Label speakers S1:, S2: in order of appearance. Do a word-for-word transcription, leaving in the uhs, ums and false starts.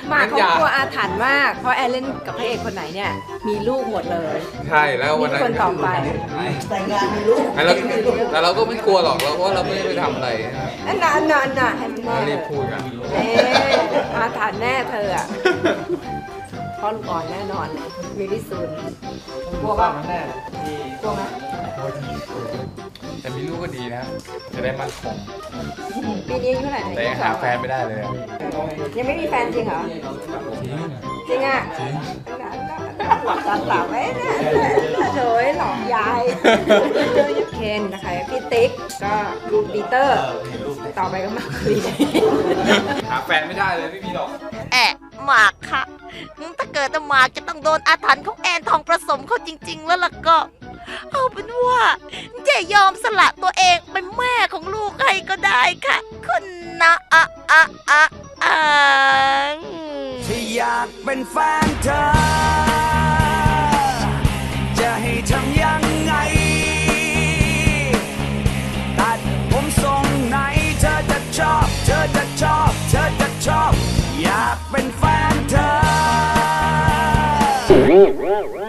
S1: หมากเขากลัวอาถรรพ์มากเพราะแอนเล่นกับพระเอกคนไหนเนี่ยมีลูกหมดเลย
S2: ใช่แล้ววันนั้น
S1: คนต่อไป
S3: แต่งงานมีลูก
S2: แต่เราแต่เราก็ไม่กลัวหรอกเราเพราะว่าเราไม่ได้ไปทำอะไรนะ
S1: อันน่ะอันน่ะอันน่ะให้มันแน่
S2: เรารีบพูดกัน
S1: เอ๊อาถรรพ์แน่เธออ่ะพ่อลูกอ่อนแน่นอนวิริสุนกลัวป่ะ
S3: แน่ที่
S1: กลัวไหม
S2: แต่มีลูกก็ดีนะ จะได้มั่นคง
S1: ปีนี้อายุเท่าไหร่นะ
S2: แต่ยังหาแฟนไม่ได้เลยอะ
S1: ยังไม่มีแฟนจริงเหรอ
S2: จริง
S1: จริงอ่ะ
S2: จริง
S1: หลับตาตาไว้นะโถยหลอกยายเคนนะคะพี่ติ๊กก็ลูกปีเตอร์ ต่อไปก็มาคุย
S2: หาแฟนไม่ได้เลยไม่มีหรอก
S4: แอะหมากค่ะ ถ้าเกิดว่าหมากจะต้องโดนอาถรรพ์ของแอนทองประสมเขาจริง ๆ แล้วล่ะก็ เอาเป็นว่าจะยอมสละตัวเองเป็นแม่ของลูกให้ก็ได้ค่ะ คุณนะอะอะอะอะ
S5: ที่อยากเป็นแฟนเธอ จะให้ทำยังไง ตัดผมทรงไหนเธอจะชอบ เธอจะชอบ เธอจะชอบ อยากเป็นแฟนเธอ